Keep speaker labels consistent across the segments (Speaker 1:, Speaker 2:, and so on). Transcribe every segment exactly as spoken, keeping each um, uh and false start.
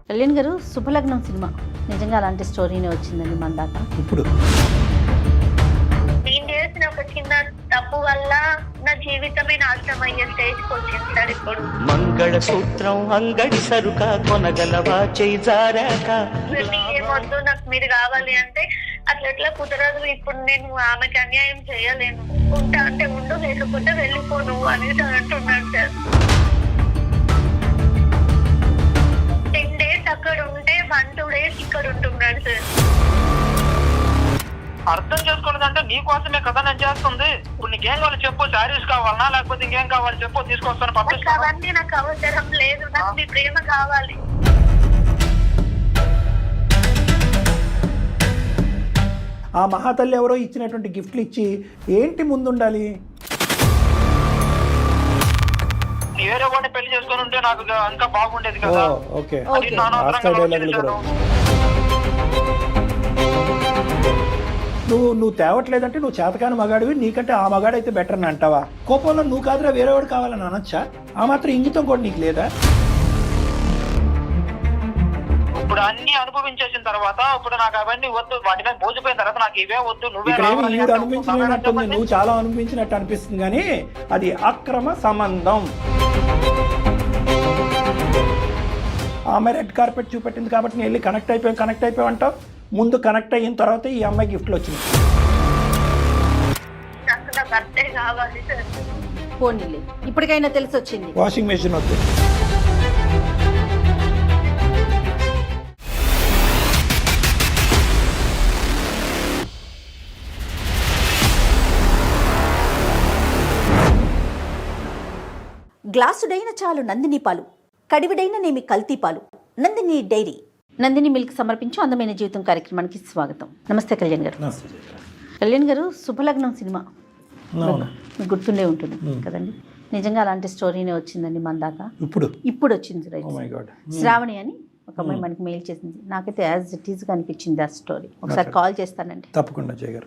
Speaker 1: కళ్యాణ్ గారు శుభలగ్నం సినిమా నిజంగా అలాంటి స్టోరీనే వచ్చిందండి మన దాకా.
Speaker 2: ఇప్పుడు
Speaker 3: నేను చేసిన ఒక చిన్న తప్పు వల్ల నా జీవితమే నాశనం అయ్యే స్టేజ్కి వచ్చింది సార్. ఇప్పుడు
Speaker 4: మంగళ సూత్రం అంగడి సరుక కొనగలవా చేజారాక
Speaker 3: ఏమొద్దు, నాకు మీరు కావాలి అంటే అట్లా ఎట్లా కుదరదు. ఇప్పుడు నేను ఆమెకి అన్యాయం చేయలేను, ఉంటా అంటే ఉండు, లేకపోతే వెళ్ళిపోను అనేసి అంటున్నాను సార్. టెన్ డేస్ అక్కడ ఉంటే వన్ టూ డేస్ ఇక్కడ ఉంటున్నాడు సార్.
Speaker 5: అర్థం చేసుకోలేదంటే నీకోసమే కదా నేను చేస్తుంది. ఇప్పుడు నీకేం కావాలి చెప్పు, శారీస్ కావాలన్నా లేకపోతే ఇంకేం కావాలి చెప్పు, తీసుకొస్తాను
Speaker 3: నాకు
Speaker 5: పంపిస్తాను.
Speaker 3: అవన్నీ నాకు అవసరం లేదు, నాకు మీ ప్రేమ కావాలి.
Speaker 2: ఆ మహాతల్లి ఎవరో ఇచ్చినటువంటి గిఫ్ట్లు ఇచ్చి ఏంటి ముందుండాలి?
Speaker 5: నీ వేరే వాడిని పెళ్లి చేసుకొని ఉంటే నాకు ఇంకా బాగుండేది
Speaker 2: ఓ
Speaker 5: కదా.
Speaker 2: ఓకే
Speaker 5: అది నాన్న
Speaker 2: ఆస్కార్ డైలాగులు కూడా. నువ్వు నువ్వు తేవట్లేదంటే నువ్వు చేతకాని మగాడివి, నీకంటే ఆ మగాడు అయితే బెటర్ అని అంటావా? కోపంలో నువ్వు కాదురా వేరేవాడు కావాలని అనొచ్చా? ఆ మాత్రం ఇంగితం కూడా నీకు లేదా?
Speaker 5: ఇప్పుడు అన్ని అనుభవించేసిన తర్వాత ఇప్పుడు నాకు అవన్నీ వద్దు, వాటి మీద మోసిపోయిన తర్వాత నాకు ఇవే వద్దు, నువ్వే
Speaker 2: ఇక్కడ ఏమి
Speaker 5: రావాలి
Speaker 2: ఈవిడ
Speaker 5: అంటే
Speaker 2: అనుభవించినట్టుంది, నువ్వు చాలా అనుభవించినట్టు అనిపిస్తుంది, కానీ అది అక్రమ సంబంధం. ఆమె రెడ్ కార్పెట్ చూపెట్టింది కాబట్టి నేను వెళ్ళి కనెక్ట్ అయిపోయాం కనెక్ట్ అయిపోయాం అంటావు. ముందు కనెక్ట్ అయిన తర్వాత ఈ అమ్మాయి గిఫ్ట్లు వచ్చింది.
Speaker 3: నాకు నా భర్తే కావాలి సార్.
Speaker 1: పోనీలే, ఇప్పటికైనా తెలిసి వచ్చింది.
Speaker 2: వాషింగ్ మెషిన్ వద్దు.
Speaker 6: గ్లాసుడైన చాలు నందిని పాలు, కడివిడైన నేమి కల్తీ పాలు, నందిని డైరీ.
Speaker 1: నందిని మిల్క్ సమర్పించు అందమైన జీవితం కార్యక్రమానికి స్వాగతం. నమస్తే కళ్యాణ్ గారు. కళ్యాణ్ గారు శుభలగ్నం సినిమా మీకు గుర్తుండే ఉంటుంది కదండి. నిజంగా అలాంటి స్టోరీనే వచ్చిందండి మన దాకా.
Speaker 2: ఇప్పుడు
Speaker 1: ఇప్పుడు వచ్చింది right.
Speaker 2: Oh my God.
Speaker 1: Sravani అని ఒక అమ్మాయి మనకి మెయిల్ చేసింది. నాకైతే యాజ్ ఇట్ ఈస్గా అనిపించింది ఆ స్టోరీ. ఒకసారి కాల్ చేస్తానండి.
Speaker 2: తప్పకుండా చేయగారు.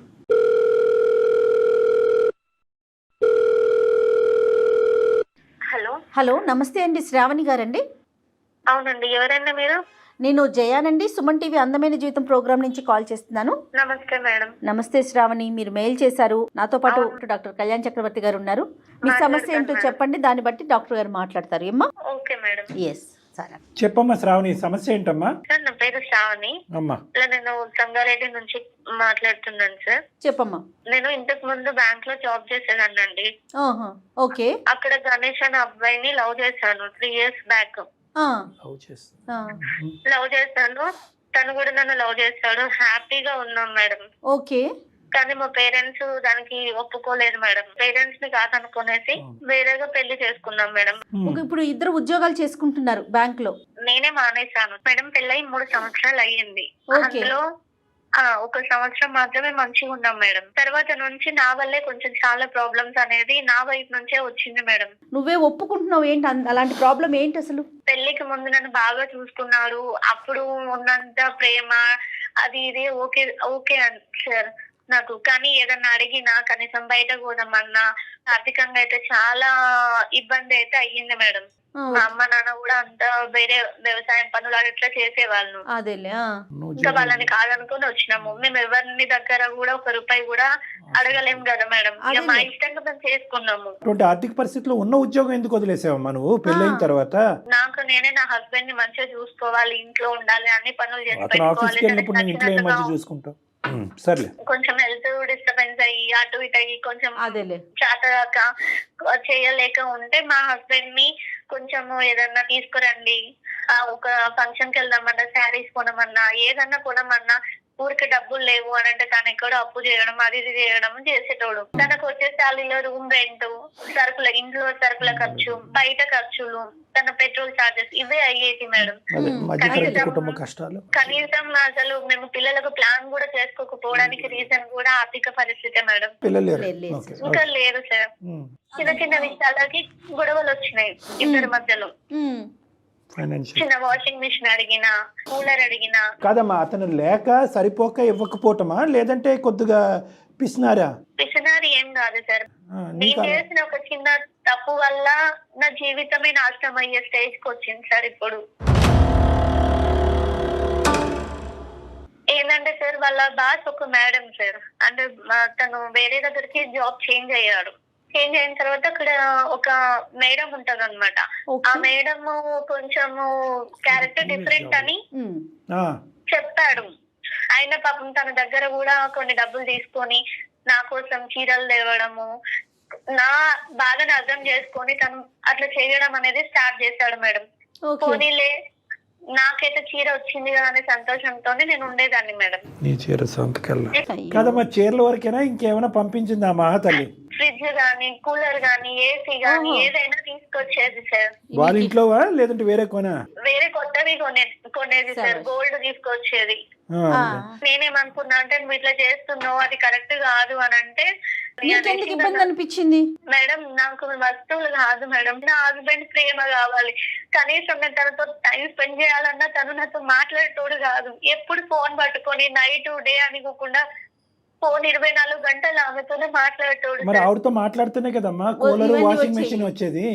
Speaker 3: హలో
Speaker 1: హలో, నమస్తే అండి, శ్రావణి గారండి.
Speaker 3: అవునండి, ఎవరండి మీరు?
Speaker 1: నేను జయానండి, సుమన్ టీవీ అందమైన జీవితం ప్రోగ్రామ్ నుంచి కాల్ చేస్తున్నాను.
Speaker 3: నమస్తే మేడం.
Speaker 1: నమస్తే శ్రావణి, మీరు మెయిల్ చేశారు. నాతో పాటు డాక్టర్ కళ్యాణ్ చక్రవర్తి గారు ఉన్నారు. మీ సమస్య ఏంటో చెప్పండి, దాన్ని బట్టి డాక్టర్ గారు మాట్లాడతారు. ఏమ్మా?
Speaker 3: Okay madam.
Speaker 1: ఎస్ సరే
Speaker 2: చెప్పమ్మా శ్రావణి, సమస్య ఏంటమ్మా?
Speaker 3: సార్ నా పేరు శ్రావణి.
Speaker 2: అమ్మా
Speaker 3: ఇలా నేను సంగారెడ్డి నుంచి మాట్లాడుతున్నాను సార్.
Speaker 1: చెప్పమ్మా.
Speaker 3: నేను ఇంతకు ముందు బ్యాంక్ లో జాబ్ చేసేదాన్నండి.
Speaker 1: ఆహా, ఓకే.
Speaker 3: అక్కడ గణేష్ అనే అబ్బాయిని లవ్ చేశాను త్రీ ఇయర్స్ బ్యాక్.
Speaker 1: ఆ,
Speaker 2: లవ్ చేస్తా.
Speaker 1: ఆ,
Speaker 3: లవ్ చేశాను, తను కూడా నన్ను లవ్ చేశాడు. హ్యాపీగా ఉన్నాం మేడం.
Speaker 1: ఓకే.
Speaker 3: కానీ మా పేరెంట్స్ దానికి ఒప్పుకోలేదు మేడం. పేరెంట్స్ ని కాదనుకునేసి వేరేగా పెళ్లి చేసుకున్నాం మేడం.
Speaker 1: ఓకే, ఇప్పుడు ఇద్దరు ఉద్యోగాలు చేసుకుంటున్నారు బ్యాంక్ లో.
Speaker 3: నేనే మానేశాను మేడం. పెళ్ళై మూడు సంవత్సరాలు అయ్యింది.
Speaker 1: ఓకే.
Speaker 3: అందులో ఆ ఒక సంవత్సరం మాత్రమే మంచిగా ఉన్నాం మేడం. తర్వాత నుంచి నా వల్లే కొంచెం చాలా ప్రాబ్లమ్స్ అనేది నా వైపు నుంచే వచ్చింది మేడం.
Speaker 1: నువ్వే ఒప్పుకుంటున్నావు ఏంటి అన్- అలాంటి ప్రాబ్లం ఏంటి అసలు?
Speaker 3: పెళ్లికి ముందు నన్ను బాగా చూసుకున్నాడు. అప్పుడు ఉన్నంత ప్రేమ అది ఇది ఓకే ఓకే సార్ నాకు. కానీ ఏదన్నా అడిగినా కనీసం బయట పోదామన్నా ఆర్థికంగా అయితే చాలా ఇబ్బంది అయితే అయ్యింది మేడం.
Speaker 1: ఆ,
Speaker 3: మా అమ్మ నాన్న కూడా అంతా వేరే వ్యవసాయం పనులు అట్లా చేసేవాళ్ళు.
Speaker 1: అదేలే. ఆ,
Speaker 3: ఇంకా వాళ్ళని కాదనుకుని వచ్చినాము. మేము ఎవరిని దగ్గర కూడా ఒక రూపాయి కూడా అడగలేం కదా మేడం. ఇక మా ఇష్టంగా మేము చేసుకున్నాము.
Speaker 2: అటువంటి ఆర్థిక పరిస్థితిలో ఉన్న ఉద్యోగం ఎందుకు వదిలేసావమ్మా నువ్వు పెళ్ళైన తర్వాత?
Speaker 3: నాకు నేనే నా హస్బెండ్ ని మంచిగా చూసుకోవాలి, ఇంట్లో ఉండాలి, అన్ని పనులు చేసి
Speaker 2: అతను ఆఫీస్కి
Speaker 3: పెట్టుకోవాలి.
Speaker 2: వెళ్ళినప్పుడు నేను ఇంట్లో ఏం మంచి చూసుకుంటావు? ఉమ్, సర్లే.
Speaker 3: కొంచెం హెల్త్ డిస్టర్బెన్స్ అయ్యి అటు ఇటు అయ్యి కొంచెం
Speaker 1: అదేలే.
Speaker 3: చేతగాక చేయలేక ఉంటే మా హస్బెండ్ ని కొంచెం ఏదన్నా తీసుకురండి, ఆ ఒక ఫంక్షన్ కి వెళ్దామన్నా, శారీస్ కొనమన్నా, ఏదన్నా కొనమన్నా ఊరికి డబ్బులు లేవు అని అంటే తను ఎక్కడో అప్పు చేయడం అది ఇది చేయడం చేసేటోడు. తనకు వచ్చే శాలీలో రూమ్ రెంట్, సరుకుల ఇంట్లో సరుకుల ఖర్చు, బయట ఖర్చులు, తన పెట్రోల్ చార్జెస్ ఇవే అయ్యేది మేడం.
Speaker 2: అదే మధ్యతరగతి
Speaker 3: కనీసం-
Speaker 2: కుటుంబ కష్టాలు.
Speaker 3: కనీసం అసలు మేము పిల్లలకు ప్లాన్ కూడా చేసుకోకపోవడానికి రీజన్ కూడా ఆర్థిక పరిస్థితి మేడం.
Speaker 2: పిల్లలు లేరు.
Speaker 1: లేదు, లేదు.
Speaker 2: ఓకే.
Speaker 3: ఇంకా లేదు సార్.
Speaker 2: ఉమ్,
Speaker 3: చిన్న చిన్న విషయాలకి గొడవలు వచ్చినాయి ఇద్దరి మధ్యలో.
Speaker 1: ఉమ్,
Speaker 2: ఫైనాన్షియల్
Speaker 3: చిన్న వాషింగ్ మిషన్ అడిగినా, కూలర్ అడిగినా.
Speaker 2: కాదమ్మా, అతను లేక సరిపోక ఇవ్వకపోవటమా లేదంటే కొద్దిగా పిసినారా?
Speaker 3: పిసినారి ఏం కాదు సార్.
Speaker 2: ఆ,
Speaker 3: నేను
Speaker 2: నీకా?
Speaker 3: చేసిన ఒక చిన్న తప్పు వల్ల నా జీవితమే నాశనం అయ్యే స్టేజ్ కి వచ్చింది సార్. ఇప్పుడు ఏంటంటే సార్ వాళ్ళ బాస్ ఒక మేడం సార్, అంటే మా- తను వేరే దగ్గరికి జాబ్ చేంజ్ అయ్యాడు. చేంజ్ అయిన తర్వాత అక్కడ ఒక మేడం ఉంటది అనమాట.
Speaker 1: Okay.
Speaker 3: ఆ మేడం కొంచెము క్యారెక్టర్ డిఫరెంట్ అని
Speaker 1: ఉమ్.
Speaker 2: ఆ,
Speaker 3: చెప్పాడు. ఆయన పాపం తన దగ్గర కూడా కొన్ని డబ్బులు తీసుకొని నా కోసం చీరలు తేవడము, నా బాధను అర్థం చేసుకొని తను అట్లా చేయడం అనేది స్టార్ట్ చేశాడు మేడం.
Speaker 1: ఓకే.
Speaker 3: పోనీలే నాకైతే చీర వచ్చింది కదా అనే సంతోషంతోనే నేను ఉండేదాన్ని మేడం.
Speaker 2: నీ చీర సొంతకెళ్ళ
Speaker 1: అయ్యో.
Speaker 2: కదమ్మా, చీరల వరకేనా ఇంకేమైనా పంపించింది ఆ మహాతల్లి?
Speaker 3: ఫ్రిడ్జ్ గానీ, కూలర్ గానీ, ఏసీ గానీ
Speaker 1: ఓహో.
Speaker 3: ఏదైనా తీసుకొచ్చేది సార్.
Speaker 2: వాళ్ళ ఇంట్లోవా లేదంటే వేరే కొనా?
Speaker 3: వేరే కొత్తవి కొనే కొనేది సార్,
Speaker 1: సరే.
Speaker 3: గోల్డ్ తీసుకొచ్చేది.
Speaker 2: ఆ,
Speaker 1: ఆ.
Speaker 3: నేనేమనుకున్నా అంటే నువ్వు ఇట్లా చేస్తున్నావు, అది కరెక్ట్ కాదు అని అంటే,
Speaker 1: నీకెందుకు ఇబ్బంది అనిపించింది?
Speaker 3: మేడం నాకు వస్తువులు కాదు మేడం, నా హస్బెండ్ ప్రేమ కావాలి. కనీసం నేను తనతో టైం స్పెండ్ చేయాలన్నా తను నాతో మాట్లాడేటోడు కాదు. ఎప్పుడు ఫోన్ పట్టుకొని నైట్ డే అనుకోకుండా ఫోన్ ఇరవై నాలుగు గంటలు ఆమెతోనే మాట్లాడేటోడు
Speaker 2: మరి
Speaker 3: సార్.
Speaker 2: ఆవిడతో మాట్లాడుతూనే కదమ్మా కూలర్
Speaker 1: ఇవన్నీ
Speaker 2: వాషింగ్
Speaker 1: వచ్చాయి.
Speaker 2: మెషిన్ వచ్చేది.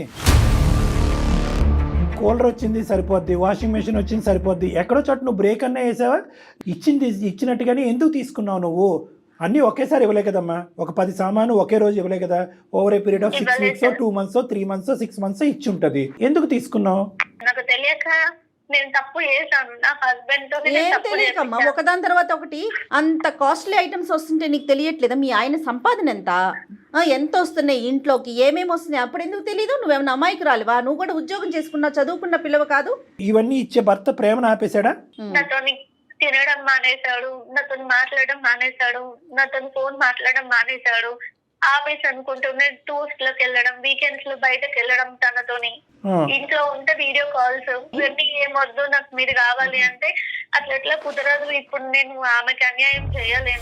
Speaker 2: కూలర్ వచ్చింది సరిపోద్ది, వాషింగ్ మెషిన్ వచ్చింది సరిపోద్ది. ఎక్కడో చోట నువ్వు బ్రేక్ అన్నా వేసావా? ఇచ్చింది ఇచ్చినట్టుగానే ఎందుకు తీసుకున్నావు నువ్వు? అన్నీ ఒకేసారి ఇవ్వలే కదమ్మా, ఒక పది సామాను ఒకే రోజు ఇవ్వలే కదా. Over a period of six
Speaker 3: ఇవ్వలేదు
Speaker 2: weeks
Speaker 3: sir.
Speaker 2: Two months three months six months ఇచ్చి ఉంటది. ఎందుకు తీసుకున్నావు?
Speaker 3: నాకు తెలియక నేను తప్పు చేశాను. నా హస్బెండ్ తో నేను
Speaker 1: ఏం
Speaker 3: తప్పు
Speaker 1: తెలియకమ్మా,
Speaker 3: చేశాను.
Speaker 1: ఒకదాని తర్వాత ఒకటి అంత కాస్ట్లీ ఐటమ్స్ వస్తుంటే నీకు తెలియట్లేదా? మీ ఆయన సంపాదన ఎంత, ఆ, ఎంత వస్తున్నాయి ఇంట్లోకి, ఏమేమి వస్తున్నాయి, అప్పుడు ఎందుకు తెలీదు? నువ్వేమన్నా అమాయకురాలివా? నువ్వు కూడా ఉద్యోగం చేసుకున్నావు, చదువుకున్న పిల్లవ కాదు?
Speaker 2: ఇవన్నీ ఇచ్చే భర్త ప్రేమను ఆపేశాడా?
Speaker 1: ఉమ్.
Speaker 3: నాతోని తినడం మానేశాడు, నాతో మాట్లాడడం మానేశాడు, నాతో ఫోన్ మాట్లాడడం మానేశాడు. ఆఫీస్ అనుకుంటూనే టూర్స్ లోకి వెళ్ళడం, వీకెండ్స్ లో బయటకు వెళ్ళడం తనతోని.
Speaker 2: ఆ,
Speaker 3: ఇంట్లో ఉంటే వీడియో కాల్స్, ఇవన్నీ ఏమొద్దు నాకు మీరు కావాలి అంటే అట్లా ఎట్లా కుదరదు. ఇప్పుడు నేను ఆమెకి అన్యాయం చేయలేను,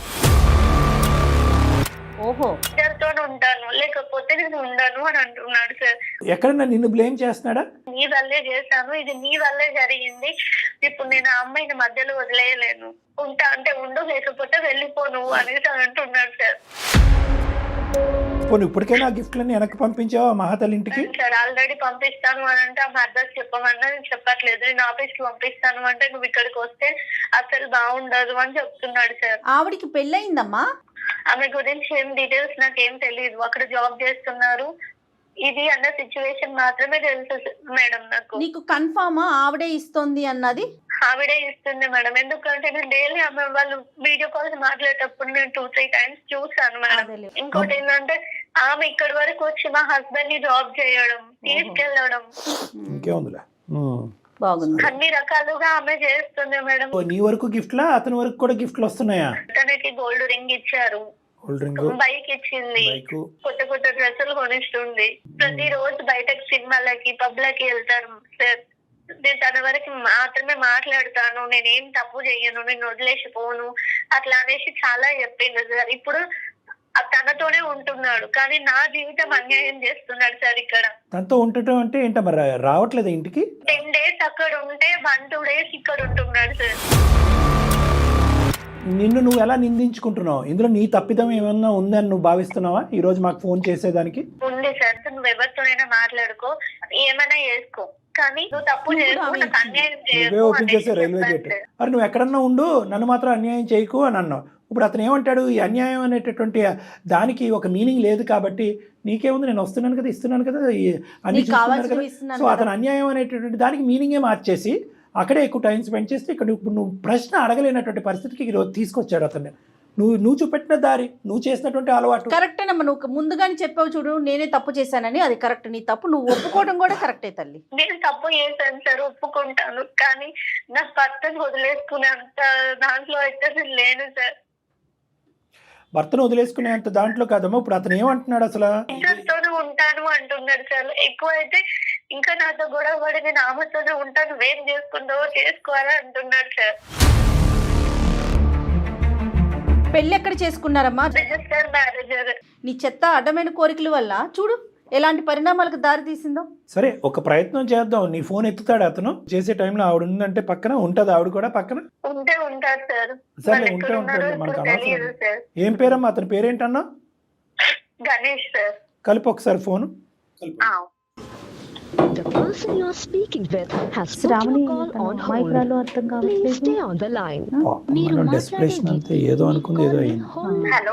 Speaker 1: ఓహో.
Speaker 3: ఇద్దరితో ఉంటాను లేకపోతే నేను ఉండను అని అంటున్నాడు సార్.
Speaker 2: ఎక్కడన్నా నిన్ను బ్లేమ్ చేస్తున్నాడా?
Speaker 3: నీ వల్లే చేశాను, ఇది నీ వల్లే జరిగింది. ఇప్పుడు నేను ఆ అమ్మాయిని మధ్యలో వదిలేయలేను, ఉంటా అంటే ఉండు లేకపోతే వెళ్ళిపో నువ్వు అనేసి అంటున్నాడు సార్.
Speaker 2: పోనీ ఇప్పటికైనా ఆ గిఫ్ట్లన్నీ వెనక్కి పంపించావా మహాతల్లి ఇంటికి?
Speaker 3: సార్ ఆల్రెడీ పంపిస్తాను అని అంటే ఆమె అడ్రస్ చెప్పమన్నా నేను చెప్పట్లేదు. నేను ఆఫీస్ కి పంపిస్తాను అంటే నువ్వు ఇక్కడికి వస్తే అసలు బాగుండదు అని చెప్తున్నాడు సార్.
Speaker 1: ఆవిడికి పెళ్ళయిందమ్మా?
Speaker 3: ఆమె గురించి ఏం డీటెయిల్స్ నాకేం తెలియదు. అక్కడ జాబ్ చేస్తున్నారు ఇది అన్న సిచ్యువేషన్ మాత్రమే తెలుసు మేడం నాకు.
Speaker 1: నీకు కన్ఫామా ఆవిడే ఇస్తోంది అన్నది?
Speaker 3: ఆవిడే ఇస్తుంది మేడం, ఎందుకంటే నేను డైలీ ఆమె వాళ్ళు వీడియో కాల్స్ మాట్లాడేటప్పుడు నేను టూ త్రీ టైమ్స్ చూసాను మేడం.
Speaker 1: అదేలే.
Speaker 3: ఇంకోటి ఏంటంటే ఆమె ఇక్కడి వరకు వచ్చి మా హస్బెండ్ ని డ్రాప్ చేయడం, తీసుకెళ్లడం,
Speaker 2: ఇంకేముందిలే. ఉమ్.
Speaker 1: బాగుంది.
Speaker 3: అన్ని రకాలుగా ఆమె చేస్తుంది మేడం.
Speaker 2: ఓ, నీ వరకు గిఫ్ట్లా అతని వరకు కూడా గిఫ్ట్లు వస్తున్నాయా?
Speaker 3: తనకి గోల్డ్ రింగ్ ఇచ్చారు,
Speaker 2: కూల్ డ్రింక్,
Speaker 3: బైక్ ఇచ్చింది,
Speaker 2: బైక్.
Speaker 3: కొత్త కొత్త డ్రెస్సులు కొనిస్తుంది. ప్రతి రోజు బయటకు సినిమాలకి పబ్లకి వెళ్తారు సార్. నేను తన వరకు మాత్రమే మాట్లాడతాను, నేనేం తప్పు చెయ్యను, నేను వదిలేసిపోను అట్లా అనేసి చాలా చెప్పింది సార్. ఇప్పుడు ఆ తనతోనే ఉంటున్నాడు కానీ నా జీవితం అన్యాయం చేస్తున్నాడు సార్. ఇక్కడ
Speaker 2: తనతో ఉండటం అంటే ఏంట మరి రావట్లేదు ఇంటికి?
Speaker 3: టెన్ డేస్ అక్కడ ఉంటే వన్ టూ డేస్ ఇక్కడ ఉంటున్నాడు సార్.
Speaker 2: నిన్ను నువ్వు ఎలా నిందించుకుంటున్నావు? ఇందులో నీ తప్పిదం ఏమన్నా ఉందని నువ్వు భావిస్తున్నావా ఈ రోజు మాకు ఫోన్ చేసేదానికి?
Speaker 3: ఉంది సార్, నువ్వు ఎవరితోనైనా మాట్లాడుకో, ఏమైనా చేసుకో, కానీ నువ్వు తప్పు చేయకు, నాకు అన్యాయం
Speaker 2: నువ్వే
Speaker 3: చేయకు
Speaker 2: ఓపెన్ చేసే
Speaker 3: అనేసి
Speaker 2: రైల్వే
Speaker 3: చెప్పాను
Speaker 2: గేట్.
Speaker 3: సార్.
Speaker 2: మరి నువ్వు ఎక్కడన్నా ఉండు, నన్ను మాత్రం అన్యాయం చేయకు అని అన్నావు. ఇప్పుడు అతను ఏమంటాడు? ఈ అన్యాయం అనేటటువంటి దానికి ఒక మీనింగ్ లేదు కాబట్టి నీకేముంది, నేను వస్తున్నాను కదా, ఇస్తున్నాను కదా, ఈ అన్ని
Speaker 1: నీకు
Speaker 2: చూస్తున్నారు
Speaker 1: కావాల్సినవి
Speaker 2: కదా.
Speaker 1: ఇస్తున్నాను
Speaker 2: సో
Speaker 1: కదా.
Speaker 2: అతను అన్యాయం అనేటటువంటి దానికి మీనింగే మార్చేసి అక్కడే ఎక్కువ టైం స్పెండ్ చేస్తే ఇక్కడ ఇప్పుడు నువ్వు ప్రశ్న అడగలేనటువంటి పరిస్థితికి ఈరోజు తీసుకొచ్చాడు అతన్ని. నువ్వు నువ్వు చూపెట్టిన దారి, నువ్వు చేసినటువంటి అలవాటు
Speaker 1: కరెక్టేనమ్మా. నువ్వు ముందుగానే చెప్పావు చూడు, నేనే తప్పు చేశానని, అది కరెక్ట్. నీ తప్పు నువ్వు ఒప్పుకోవడం కూడా కరెక్టే తల్లి.
Speaker 3: నేను తప్పు చేశాను సార్, ఒప్పుకుంటాను, కానీ నా భర్తను వదిలేసుకునేంత దాంట్లో అయితే నేను లేను సార్.
Speaker 2: భర్తను వదిలేసుకునేంత దాంట్లో కాదమ్మా. ఇప్పుడు అతను ఏమంటున్నాడు అసలు?
Speaker 3: ఇద్దరితోనే ఉంటాను అంటున్నాడు సార్. ఎక్కువ అయితే ఇంకా నాతో గొడవ పడి నేను ఆమెతోనే ఉంటాను, వేం చేసుకుంటావో చేసుకోవాలని అంటున్నాడు సార్.
Speaker 1: పెళ్ళి ఎక్కడ చేసుకున్నారమ్మా?
Speaker 3: రిజిస్టర్ మ్యారేజర్.
Speaker 1: నీ చెత్త అడ్డమైన కోరికల వల్ల చూడు ఎలాంటి పరిణామాలకు దారి తీసిందో.
Speaker 2: సరే, ఒక ప్రయత్నం చేద్దాం. నీ ఫోన్ ఎత్తుతాడు అతను? చేసే టైంలో ఆవిడ ఉందంటే పక్కన ఉంటది, ఆవిడ కూడా పక్కన
Speaker 3: ఉంటే ఉంటారు సార్.
Speaker 2: సరే,
Speaker 3: వాళ్ళు
Speaker 2: ఉంటే
Speaker 3: ఎక్కడ ఉన్నారో
Speaker 2: ఉంటాడు, మనకు
Speaker 3: ఇప్పుడు
Speaker 2: అనవసరం.
Speaker 3: తెలియదు సార్.
Speaker 2: ఏం పేరమ్మా అతని పేరేంటన్నా?
Speaker 3: గణేష్ సార్.
Speaker 2: కలిపి ఒకసారి ఫోను.
Speaker 3: ఆ.
Speaker 7: The person you are speaking with has put
Speaker 1: Shravani
Speaker 7: your call on hold.
Speaker 1: అమాయకురాలు అర్థం
Speaker 7: Please
Speaker 1: కావట్లేదు.
Speaker 7: stay on the line.
Speaker 2: మనం డెస్పిరేషన్ అంతే ఏదో అనుకుంది ఏదో అయింది.
Speaker 3: హలో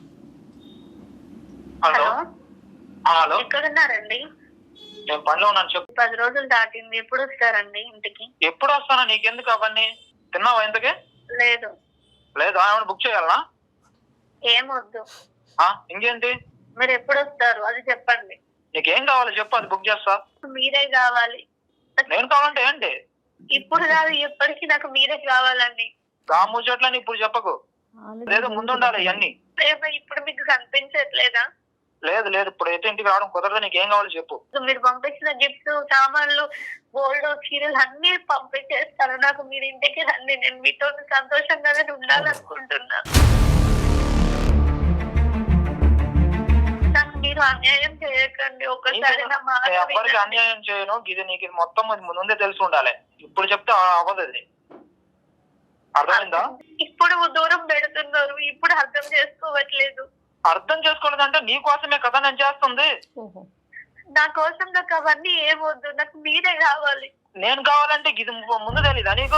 Speaker 5: హలో
Speaker 3: హలో
Speaker 5: హలో
Speaker 3: ఎక్కడున్నారండి?
Speaker 5: నేను పనిలో ఉన్నాను చెప్పు.
Speaker 3: పది రోజులు దాటింది, ఎప్పుడు వస్తారండి ఇంటికి?
Speaker 5: ఎప్పుడు వస్తానా? నీకెందుకు అవన్నీ? తిన్నావా ఇంతకే?
Speaker 3: లేదు.
Speaker 5: లేదు ఏమైనా బుక్ చేయాలనా?
Speaker 3: ఏమొద్దు.
Speaker 5: ఆ, ఇంకేంటి?
Speaker 3: మీరు ఎప్పుడు వస్తారు అది చెప్పండి.
Speaker 5: నీకేం కావాలి చెప్పు, అది బుక్ చేస్తా.
Speaker 3: మీరే కావాలి.
Speaker 5: నేను కావాలంటే ఏంటి?
Speaker 3: ఇప్పుడు కాదు, ఎప్పటికీ నాకు మీరే కావాలండి.
Speaker 5: రాము చెట్లని ఇప్పుడు చెప్పకు, లేదు ముందు ఉండాలి ఇవన్నీ.
Speaker 3: ప్రేమ ఇప్పుడు మీకు కనిపించట్లేదా?
Speaker 5: లేదు లేదు ఇప్పుడు అయితే ఇంటికి రావడం కుదరదు. నీకేం కావాలి చెప్పు.
Speaker 3: మీరు పంపించిన గిఫ్ట్స్, సామాన్లు, గోల్డ్, చీరలు అన్ని పంపించేస్తాను. నాకు మీరు ఇంటికి రండి, నేను మీతో సంతోషంగానే ఉండాలనుకుంటున్నా. నాకు మీరు అన్యాయం చేయకండి. ఒకసారి నా మాట
Speaker 5: నేను ఎవ్వరికి
Speaker 3: వినండి.
Speaker 5: అన్యాయం చేయను. ఇది నీకు ఇది మొత్తం ఇది ముందే తెలిసి ఉండాలి. ఇప్పుడు చెప్తే అవ్వదు ఇది. అర్థమైందా?
Speaker 3: ఇప్పుడు దూరం పెడుతున్నారు, ఇప్పుడు అర్థం చేసుకోవట్లేదు.
Speaker 5: అర్థం చేసుకోలేదంటే నీ కోసమే కదా నేను చేస్తుంది.
Speaker 1: ఓహో.
Speaker 3: నా కోసం నాకు అవన్నీ ఏమొద్దు, నాకు మీరే కావాలి.
Speaker 5: నేను కావాలంటే ఇది ముందు తెలీదా నీకు?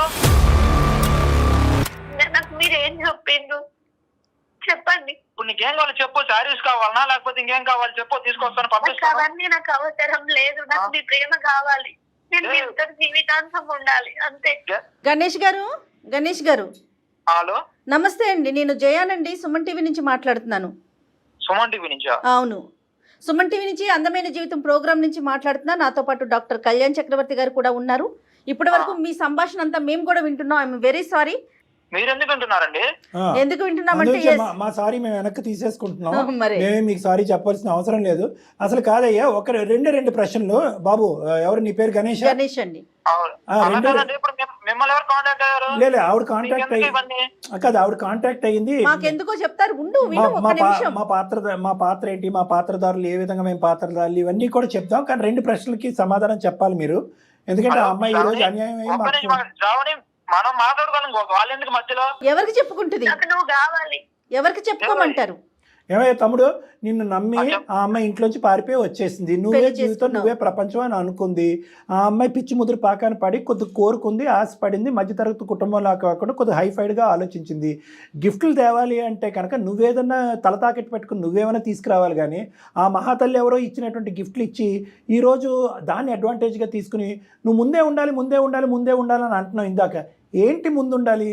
Speaker 3: నాకు మీరు ఏం చెప్పిండ్రు చెప్పండి.
Speaker 5: ఇప్పుడు నీకేం కావాలి చెప్పు. శారీస్ కావాలనా లేకపోతే ఇంకేం కావాలి చెప్పు, తీసుకొస్తాను
Speaker 3: నాకు
Speaker 5: పంపిస్తాను.
Speaker 3: అవన్నీ నాకు అవసరం లేదు. నాకు మీ ప్రేమ కావాలి. నేను మీతో జీవితాంతం ఉండాలి అంతే.
Speaker 1: గణేష్ గారు, గణేష్ గారు
Speaker 5: హలో
Speaker 1: నమస్తే అండి. నేను జయానండి, సుమన్ టీవీ నుంచి మాట్లాడుతున్నాను.
Speaker 5: సుమన్ టీవీ నుంచా?
Speaker 1: అవును, సుమన్ టీవీ నుంచి అందమైన జీవితం ప్రోగ్రామ్ నుంచి మాట్లాడుతున్నా. నాతో పాటు డాక్టర్ కళ్యాణ్ చక్రవర్తి గారు కూడా ఉన్నారు. ఇప్పటి వరకు మీ సంభాషణ అంతా మేము కూడా వింటున్నాం. I'm very sorry.
Speaker 5: మీరు ఎందుకు అంటున్నారండి?
Speaker 2: ఆ,
Speaker 1: ఎందుకు వింటున్నామంటే
Speaker 2: అందుకే మా- మా సారీ మేము వెనక్కి తీసేసుకుంటున్నాం.
Speaker 1: మరి
Speaker 2: మేమే మీకు సారీ చెప్పాల్సిన అవసరం లేదు. అసలు కాదయ్యా, ఒక రెండే రెండు ప్రశ్నలు. బాబు ఎవరు నీ పేరు? గణేష్.
Speaker 1: గణేష్ అండి.
Speaker 5: అవును.
Speaker 2: ఆ,
Speaker 5: అలా
Speaker 2: రెండు-
Speaker 5: కాదండి, ఇప్పుడు మిమ్- మిమ్మల్ని ఎవరు కాంటాక్ట్ అయ్యారు?
Speaker 2: లేదు ఆవిడ కాంటాక్ట్
Speaker 5: మీకెందుకు
Speaker 2: అయ్యి
Speaker 5: ఇవన్నీ?
Speaker 2: కాదు ఆవిడ కాంటాక్ట్ అయ్యింది.
Speaker 1: మాకెందుకో చెప్తారు, ఉండు
Speaker 2: మా
Speaker 1: విను
Speaker 2: మా
Speaker 1: ఒక
Speaker 2: పా-
Speaker 1: నిమిషం.
Speaker 2: మా పాత్ర మా పాత్ర ఏంటి, మా పాత్రదారులు ఏ విధంగా మేము పాత్రదారులు, ఇవన్నీ కూడా చెప్తాం. కానీ రెండు ప్రశ్నలకి సమాధానం చెప్పాలి మీరు. ఎందుకంటే ఆ అమ్మాయి ఈ రోజు అన్యాయం అయ్యి
Speaker 5: ఒక్క నిమిషం
Speaker 2: మాకు
Speaker 5: ఆగండి. శ్రావణి, మనం మాట్లాడుకోవాలి. వాళ్ళు ఎందుకు మధ్యలో?
Speaker 1: ఎవరికి చెప్పుకుంటుంది?
Speaker 3: నాకు నువ్వు కావాలి.
Speaker 1: ఎవరికి చెప్పుకోమంటారు?
Speaker 2: ఏమయ్య తమ్ముడు, నిన్ను నమ్మి
Speaker 5: అచ్చా.
Speaker 2: ఆ అమ్మాయి ఇంట్లోంచి పారిపోయి వచ్చేసింది. నువ్వే
Speaker 1: పెళ్లి
Speaker 2: జీవితం,
Speaker 1: చేసుకున్నావు.
Speaker 2: నువ్వే ప్రపంచం అని అనుకుంది. ఆ అమ్మాయి పిచ్చి ముదురు పాకాన పడి కొద్ది కోరుకుంది, ఆశపడింది. మధ్యతరగతి కుటుంబంలో కాకుండా కొద్ది హైఫైడ్గా ఆలోచించింది. గిఫ్ట్లు తేవాలి అంటే కనుక నువ్వేదన్నా తల తాకెట్టు పెట్టుకుని నువ్వేమైనా తీసుకురావాలి. కానీ ఆ మహాతల్లి ఎవరో ఇచ్చినటువంటి గిఫ్ట్లు ఇచ్చి ఈరోజు దాన్ని అడ్వాంటేజ్గా తీసుకుని నువ్వు ముందే ఉండాలి, ముందే ఉండాలి, ముందే ఉండాలని అంటున్నావు ఇందాక. ఏంటి ముందు ఉండాలి?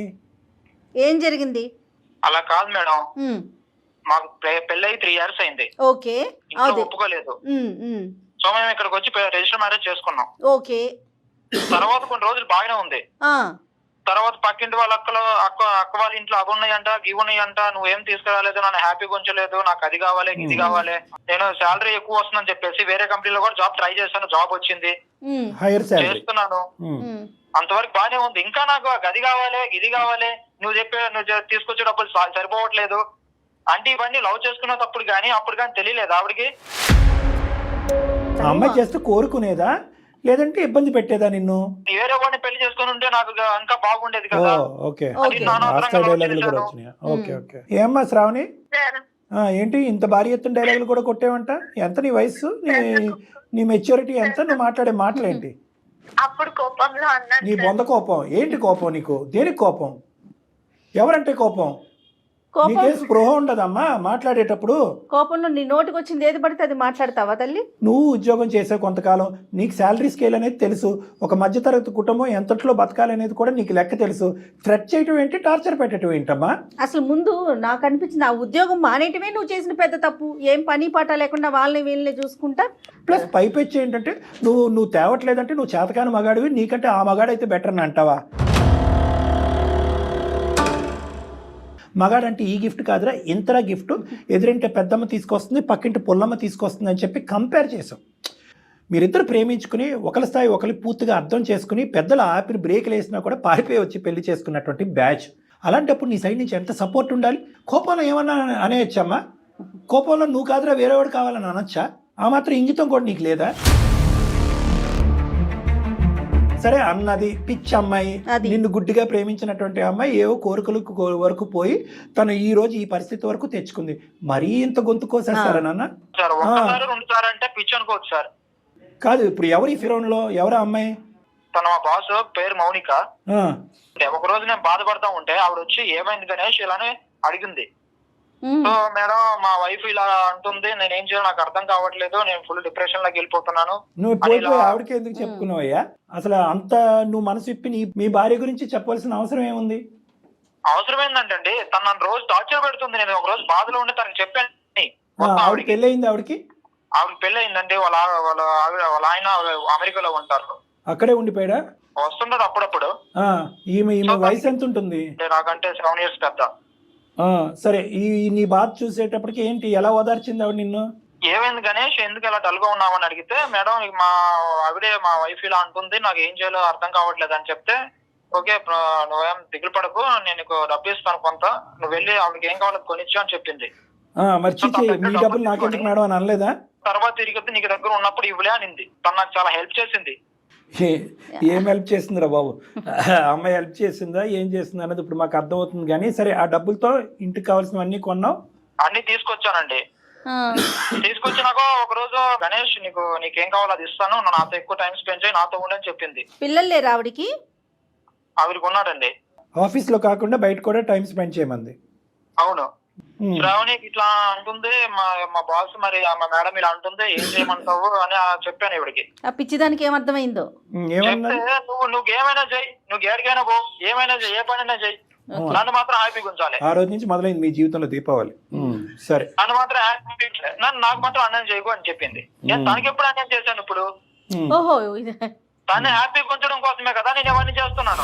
Speaker 1: ఏం జరిగింది?
Speaker 5: అలా కాదు మేడం,
Speaker 1: ఉమ్,
Speaker 5: మాకు పె- పెళ్ళయి త్రీ ఇయర్స్ అయింది.
Speaker 1: ఓకే.
Speaker 5: ఇంట్లో
Speaker 1: అదే.
Speaker 5: ఒప్పుకోలేదు.
Speaker 1: ఉమ్, ఉమ్,
Speaker 5: సో మేము ఇక్కడికి వచ్చి రిజిస్టర్ మ్యారేజ్ చేసుకున్నాం.
Speaker 1: ఓకే.
Speaker 5: తర్వాత కొన్ని రోజులు బాగానే ఉంది.
Speaker 1: ఆ,
Speaker 5: తర్వాత పక్కింటి వాళ్ళ అక్కలు అక్క అక్క వాళ్ళ ఇంట్లో అవి ఉన్నాయంట, ఇవి ఉన్నాయంట, నువ్వేం తీసుకురాలేదు, నన్ను హ్యాపీగా ఉంచలేదు, నాకు అది కావాలి ఇది కావాలి. నేను శాలరీ ఎక్కువ వస్తుందని చెప్పేసి వేరే కంపెనీలో కూడా జాబ్ ట్రై చేశాను. జాబ్ వచ్చింది,
Speaker 1: ఉమ్,
Speaker 2: హైయర్ శాలరీ.
Speaker 5: చేస్తున్నాను.
Speaker 1: ఉమ్,
Speaker 5: అంతవరకు బానే ఉంది. ఇంకా నాకు ఆ గది కావాలి, ఇది కావాలి, నువ్వు చెప్పే నువ్వు చె- తీసుకొచ్చే డబ్బులు స- సరిపోవట్లేదు అంటే ఇవన్నీ లవ్ చేసుకునేటప్పుడు కానీ అప్పుడు కానీ తెలియలేదు ఆవిడకి.
Speaker 2: ఆ అమ్మాయి జస్ట్ కోరుకునేదా లేదంటే ఇబ్బంది పెట్టేదా నిన్ను?
Speaker 5: వేరే వాడిని పెళ్లి చేసుకుని ఉంటే నాకు గా- ఇంకా బాగుండేది
Speaker 2: ఓ
Speaker 5: కదా.
Speaker 2: ఓకే.
Speaker 5: అది నానవసరంగా
Speaker 2: ఆస్కార్
Speaker 5: లవ్
Speaker 2: డైలాగులు కూడా
Speaker 5: చేశాను.
Speaker 2: వచ్చినాయా? Okay okay. ఏమ్మా శ్రావణి,
Speaker 3: సార్
Speaker 2: ఆ, ఏంటి ఇంత భారీ ఎత్తున డైలాగులు కూడా కొట్టేవంట? ఎంత నీ వయసు, నీ నీ మెచ్యూరిటీ ఎంత, నువ్వు మాట్లాడే మాటలేంటి?
Speaker 3: అప్పుడు కోపంలో అన్నాను
Speaker 2: నీ
Speaker 3: సార్.
Speaker 2: బొంద కోపం ఏంటి? కోపం నీకు దేనికి కోపం? ఎవరంటే కోపం?
Speaker 1: కోపం
Speaker 2: నీకేం స్పృహ ఉండదమ్మా మాట్లాడేటప్పుడు?
Speaker 1: కోపంలో నీ నోటికి వచ్చింది ఏది పడితే అది మాట్లాడతావా తల్లి?
Speaker 2: నువ్వు ఉద్యోగం చేసే కొంతకాలం నీకు శాలరీ స్కేల్ అనేది తెలుసు. ఒక మధ్యతరగతి కుటుంబం ఎంతట్లో బతకాలనేది కూడా నీకు లెక్క తెలుసు. థ్రెట్ చేయటం ఏంటి, టార్చర్ పెట్టడం ఏంటమ్మా?
Speaker 1: అసలు ముందు నాకు అనిపించింది ఆ ఉద్యోగం మానేయటమే నువ్వు చేసిన పెద్ద తప్పు. ఏం పని పాట లేకుండా వాళ్ళని వీళ్ళని చూసుకుంటా.
Speaker 2: ప్లస్ పైపెచ్చి ఏంటంటే నువ్వు నువ్వు తేవట్లేదంటే నువ్వు చేతకాని మగాడివి, నీకంటే ఆ మగాడైతే బెటర్ అని అంటావా? మగాడంటే ఈ గిఫ్ట్ కాదురా, ఇంతరా గిఫ్ట్, ఎదురింటే పెద్దమ్మ తీసుకొస్తుంది, పక్కింటి పుల్లమ్మ తీసుకొస్తుంది అని చెప్పి కంపేర్ చేసాం. మీరిద్దరు ప్రేమించుకుని ఒకరి స్థాయి ఒకరి పూర్తిగా అర్థం చేసుకుని పెద్దలు ఆపిన బ్రేక్లు వేసినా కూడా పారిపోయి వచ్చి పెళ్లి చేసుకున్నటువంటి బ్యాచ్. అలాంటప్పుడు నీ సైడ్ నుంచి ఎంత సపోర్ట్ ఉండాలి? కోపంలో ఏమన్నా అనేయచ్చమ్మా? కోపంలో నువ్వు కాదురా వేరేవాడు కావాలని అనొచ్చా? ఆ మాత్రం ఇంగితం కూడా నీకు లేదా? సరే అన్నది పిచ్చి అమ్మాయి,
Speaker 1: అది.
Speaker 2: నిన్ను గుడ్డిగా ప్రేమించినటువంటి అమ్మాయి ఏవో కోరికలకు కో- వరకు పోయి తను ఈ రోజు ఈ పరిస్థితి వరకు తెచ్చుకుంది. మరీ ఇంత గొంతు కోసేస్తారా నాన్న?
Speaker 5: సార్ ఒక్కసారి రెండు సార్లు అంటే పిచ్చి అనుకోవచ్చు సార్.
Speaker 2: కాదు ఇప్పుడు ఎవరి ఫిరోన్లో ఎవరా అమ్మాయి?
Speaker 5: తన మా బాస్ పేరు మౌనిక.
Speaker 2: ఆ,
Speaker 5: ఒక రోజు నేను బాధపడతా ఉంటే ఆవిడ వచ్చి ఏమైంది గణేష్ ఇలానే అడిగింది.
Speaker 1: ఉమ్.
Speaker 5: సో మేడం మా వైఫ్ ఇలా అంటుంది, నేను ఏం చేయాలో నాకు అర్థం కావట్లేదు, నేను ఫుల్ డిప్రెషన్ లోకి వెళ్ళిపోతున్నాను.
Speaker 2: నువ్వు
Speaker 5: అని
Speaker 2: పోయి
Speaker 5: ఇలా-
Speaker 2: పోయి ఆవిడకి ఎందుకు చెప్పుకున్నావయ్యా? అసలు అంత నువ్వు మనసు ఇప్పి నీ మీ భార్య గురించి చెప్పవలసిన అవసరం ఏముంది?
Speaker 5: అవసరం ఏంటంటే తను నన్ను రోజు టార్చర్ పెడుతుంది. నేను ఒక రోజు బాధలో ఉండి తనకి చెప్పాను
Speaker 2: ఆ,
Speaker 5: మొత్తం
Speaker 2: ఆవిడకి
Speaker 5: ఆవిడకి.
Speaker 2: పెళ్ళయింది ఆవిడకి?
Speaker 5: ఆవిడ పెళ్లి అయిందండి. వాళ్ళ వాళ్ళ ఆవిడ వాళ్ళ ఆయన అమెరికాలో ఉంటారు.
Speaker 2: అక్కడే ఉండిపోయాడా?
Speaker 5: వస్తుండదు అప్పుడప్పుడు.
Speaker 2: ఆ, ఈమె ఈమె వయసు ఎంత ఉంటుంది?
Speaker 5: అంటే నాకంటే సెవెన్ ఇయర్స్ పెద్ద.
Speaker 2: ఆ, సరే ఈ నీ బాధ చూసేటప్పటికి ఏంటి, ఎలా ఓదార్చింది ఆవిడ నిన్ను?
Speaker 5: ఏమైంది గణేష్ ఎందుకు ఇలా డల్ గా ఉన్నామని అడిగితే, మేడం మా ఆవిడే మా వైఫ్ ఇలా అంటుంది, నాకు ఏం చేయాలో అర్థం కావట్లేదు అని చెప్తే, ఓకే నువ్వేం దిగులు పడకు, నేను నీకు డబ్బు ఇస్తాను కొంత, నువ్వు వెళ్ళి ఆవిడకి ఏం కావాలో కొనిచ్చు అని చెప్పింది.
Speaker 2: ఆ, మరి చిచ్చి మీ డబ్బులు నాకెందుకు మేడం అని అనలేదా?
Speaker 5: తర్వాత తిరిగి నీకు దగ్గర ఉన్నప్పుడు ఇవ్వలే అనింది. తను నాకు చాలా హెల్ప్ చేసింది.
Speaker 2: ఏ- ఏం హెల్ప్ చేసిందిరా బాబు? అమ్మాయి హెల్ప్ చేసిందా ఏం చేసింది అనేది ఇప్పుడు మాకు అర్థమవుతుంది. కానీ సరే ఆ డబ్బులతో ఇంటికి కావాల్సినవన్నీ కొన్నావు?
Speaker 5: అన్ని తీసుకొచ్చానండి.
Speaker 1: ఆ.
Speaker 5: తీసుకొచ్చినాక ఒక రోజు గణేష్ నీకు నీకేం కావాలో అది ఇస్తాను, నువ్వు నాతో ఎక్కువ టైం స్పెండ్ చేయి, నాతో ఉండని చెప్పింది.
Speaker 1: పిల్లలు లేరా ఆవిడికి?
Speaker 5: ఆవిడకి ఉన్నాడండి.
Speaker 2: ఆఫీస్లో కాకుండా బయట కూడా టైం స్పెండ్ చేయమంది.
Speaker 5: అవును.
Speaker 2: ఉమ్.
Speaker 5: శ్రావణి ఇట్లా అంటుంది, మా మా బాస్ మరి మా మేడం ఇలా అంటుంది, ఏం చేయమంటావు అని చెప్పాను ఇవిడికి.
Speaker 1: ఆ పిచ్చిదానికి ఏమర్థమైందో?
Speaker 2: ఉమ్,
Speaker 5: చెప్తే
Speaker 2: ఏమన్నా?
Speaker 5: నువ్వు నువ్వు ఏమైనా చెయ్యి, నువ్వు ఏడికైనా పో, ఏమైనా చెయ్యి, ఏ పనైనా చెయ్యి, నన్ను మాత్రం హ్యాపీగా ఉంచాలి.
Speaker 2: ఆ రోజు నుంచి మొదలైంది మీ జీవితంలో దీపావళి. ఉమ్, సరే
Speaker 5: నన్ను మాత్రం హ్యాపీ, నన్ను నాకు మాత్రం అన్నం చేయకు అని చెప్పింది. నేను తనకి ఎప్పుడు అన్నం చేశాను? ఇప్పుడు
Speaker 2: ఉమ్.
Speaker 1: ఓహో ఇది
Speaker 5: తను హ్యాపీగా ఉంచడం కోసమే కదా నేను ఇవన్నీ చేస్తున్నాను.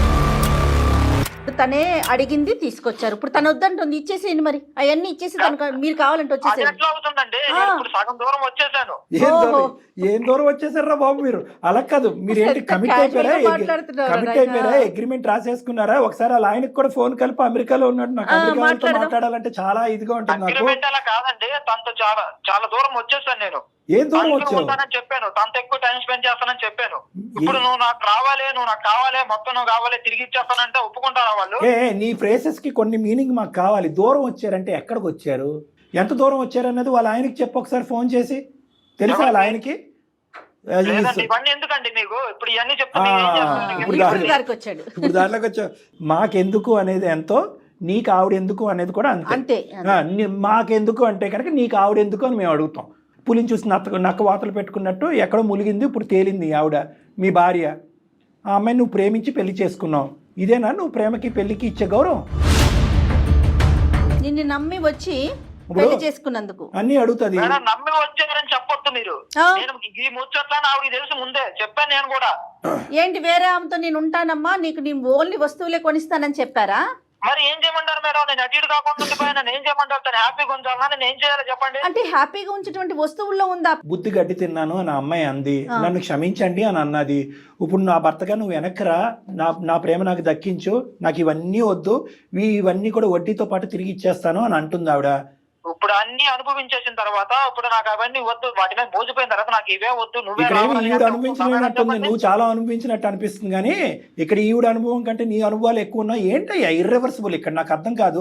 Speaker 1: తనే అడిగింది తీసుకొచ్చారు. ఇప్పుడు తను వద్దంటుంది, ఇచ్చేసేయండి మరి అవన్నీ ఇచ్చేసి తనకు మీరు కావాలంటే
Speaker 5: అది
Speaker 1: వచ్చేసేయండి.
Speaker 5: ఎట్లా అవుతుందండి? నేను ఇప్పుడు సగం దూరం వచ్చేసాను.
Speaker 2: ఏం దూరం
Speaker 1: ఓహో.
Speaker 2: ఏం దూరం వచ్చేసారా బాబు మీరు? అలా కాదు, మీరు ఏంటి
Speaker 1: ఎంత
Speaker 2: కమిట్
Speaker 1: casual
Speaker 2: అయిపోయారా?
Speaker 1: గా మాట్లాడుతున్నారు
Speaker 2: కమిట్
Speaker 1: నాయనా.
Speaker 2: అయిపోయారా? అగ్రిమెంట్ రాసేసుకున్నారా? ఒకసారి అలా ఆయనకి కూడా ఫోన్ కలిపి అమెరికాలో ఉన్నాడు, నాకు
Speaker 1: ఆ,
Speaker 2: అమెరికాతో
Speaker 1: మాట్లాడదాం.
Speaker 2: మాట్లాడాలంటే చాలా ఇదిగా ఉంటుంది నాకు.
Speaker 5: అగ్రిమెంట్ అలా కాదండి, తనతో చాలా చాలా దూరం వచ్చేసాను నేను.
Speaker 2: ఏం దూరం
Speaker 5: తనతో
Speaker 2: వచ్చావు?
Speaker 5: ఉంటానని చెప్పాను, తనతో ఎక్కువ టైం స్పెండ్ చేస్తానని చెప్పాను. ఇప్పుడు నువ్వు నాకు రావాలి, నువ్వు నాకు కావాలి, మొత్తం నువ్వు కావాలి, తిరిగి ఇచ్చేస్తానంటే ఒప్పుకుంటారా వాళ్ళు?
Speaker 2: ఏ నీ ఫ్రేసెస్ కి కొన్ని మీనింగ్ మాకు కావాలి. దూరం వచ్చారంటే ఎక్కడికి వచ్చారు, ఎంత దూరం వచ్చారు అన్నది వాళ్ళ ఆయనకి చెప్పు ఒకసారి ఫోన్ చేసి. తెలుసా వాళ్ళ ఆయనకి? అది
Speaker 5: లేదండి, ఇవన్నీ ఎందుకండి మీకు? ఇప్పుడు ఇవన్నీ చెప్తే
Speaker 2: ఆ,
Speaker 5: మీరు ఏం చేస్తారు?
Speaker 2: ఇప్పుడు
Speaker 5: మీకు
Speaker 2: దాని-
Speaker 1: ఇప్పుడు గారికి వచ్చాడు.
Speaker 2: ఇప్పుడు దాంట్లోకి వచ్చావు. మాకెందుకు అనేది ఎంతో, నీకు ఆవిడ ఎందుకు అనేది కూడా అంతే.
Speaker 1: అంతే
Speaker 2: ఆ, నీ- మాకెందుకు అంటే కనుక నీకు ఆవిడ ఎందుకు అని మేము అడుగుతాం. పులిని చూసి నక్క నక్క వాతలు పెట్టుకున్నట్టు ఎక్కడో ములిగింది, ఇప్పుడు తేలింది ఆవిడ మీ భార్య. ఆ అమ్మాయి నువ్వు ప్రేమించి పెళ్లి చేసుకున్నావు. ఇదేనా నువ్వు ప్రేమకి పెళ్లికి ఇచ్చే గౌరవం?
Speaker 1: నిన్ను నమ్మి వచ్చి
Speaker 2: ఇప్పుడు
Speaker 1: పెళ్లి చేసుకున్నందుకు
Speaker 2: అన్నీ అడుగుతుంది.
Speaker 5: మేడం నమ్మి వచ్చారని చెప్పొద్దు మీరు.
Speaker 1: ఆ.
Speaker 5: నేను ఈ ముచ్చట్లని ఆవిడకి తెలుసు ముందే చెప్పాను నేను కూడా.
Speaker 1: ఏంటి వేరే ఆమెతో నేను ఉంటానమ్మా, నీకు నేను ఓన్లీ వస్తువులే కొనిస్తానని చెప్పారా?
Speaker 5: మరి ఏం చేయమంటారు మేడం? నేను అటు ఇటు కాకుండా ఉండిపోయినా నేను ఏం చేయమంటారు? తను హ్యాపీగా ఉంచాలన్నా నేను ఏం చేయాలో చెప్పండి.
Speaker 1: అంటే హ్యాపీగా ఉంచేటువంటి వస్తువుల్లో ఉందా?
Speaker 2: బుద్ధి గడ్డి తిన్నాను అని ఆ అమ్మాయి అంది,
Speaker 1: ఆ.
Speaker 2: నన్ను క్షమించండి అని అన్నది. ఇప్పుడు నా భర్తగా నువ్వు వెనక్రా, నా నా ప్రేమ నాకు దక్కించు, నాకు ఇవన్నీ వద్దు, ఇవి- ఇవన్నీ కూడా వడ్డీతో పాటు తిరిగి ఇచ్చేస్తాను అని అంటుంది ఆవిడ.
Speaker 5: ఇప్పుడు అన్ని అనుభవించేసిన తర్వాత ఇప్పుడు నాకు అవన్నీ వద్దు, వాటి మీద మోసిపోయిన తర్వాత నాకు ఇవే వద్దు, నువ్వే
Speaker 2: ఇక్కడ ఏమి
Speaker 5: రావాలని
Speaker 2: ఈవిడ
Speaker 5: అంటే
Speaker 2: అనుభవించినట్టుంది,
Speaker 5: చెప్పండి.
Speaker 2: నువ్వు చాలా అనుభవించినట్టు అనిపిస్తుంది. కానీ ఇక్కడ ఈవిడ అనుభవం కంటే నీ అనుభవాలు ఎక్కువ ఉన్నాయి. ఏంటయ్యా ఇర్రివర్సిబుల్ ఇక్కడ? నాకు అర్థం కాదు.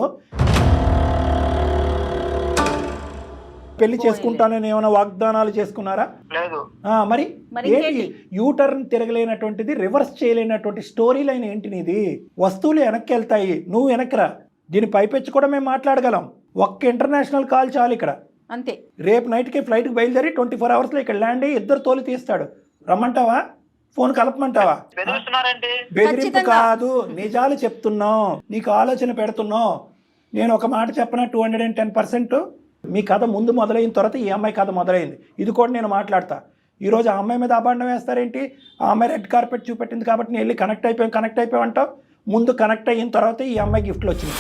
Speaker 2: పెళ్లి చేసుకుంటానని ఏమైనా వాగ్దానాలు చేసుకున్నారా?
Speaker 5: లేదు.
Speaker 2: ఆ, మరి
Speaker 1: మరి
Speaker 2: ఏంటి
Speaker 1: ఇంకేంటి?
Speaker 2: యూటర్న్ తిరగలేనటువంటిది, రివర్స్ చేయలేనటువంటి స్టోరీ లైన్ ఏంటి నీది? వస్తువులు వెనక్కి వెళ్తాయి, నువ్వు వెనక్కిరా. దీని పైపెచ్చి కూడా మేము మాట్లాడగలం. ఒక్క ఇంటర్నేషనల్ కాల్ చాలు ఇక్కడ.
Speaker 1: అంతే.
Speaker 2: రేపు నైట్కి ఫ్లైట్కి బయలుదేరి ట్వంటీ ఫోర్ అవర్స్లో ఇక్కడ ల్యాండ్ అయ్యి ఇద్దరు తోలు తీస్తాడు. రమ్మంటావా? ఫోన్ కలపమంటావా?
Speaker 5: బెదిరిస్తున్నారండి.
Speaker 2: బెదిరింపు
Speaker 1: ఖచ్చితంగా.
Speaker 2: కాదు, నిజాలు చెప్తున్నాం, నీకు ఆలోచన పెడుతున్నాం. నేను ఒక మాట చెప్పనా, two hundred and ten percent మీ కథ ముందు మొదలైన తర్వాత ఈ అమ్మాయి కథ మొదలైంది. ఇది కూడా నేను మాట్లాడతా. ఈరోజు ఆ అమ్మాయి మీద అభాండం వేస్తారేంటి? ఆ అమ్మాయి రెడ్ కార్పెట్ చూపెట్టింది కాబట్టి నేను వెళ్ళి కనెక్ట్ అయిపోయాం కనెక్ట్ అయిపోయాం అంటావు. ముందు కనెక్ట్ అయిన తర్వాత ఈ అమ్మాయి గిఫ్ట్లు వచ్చింది.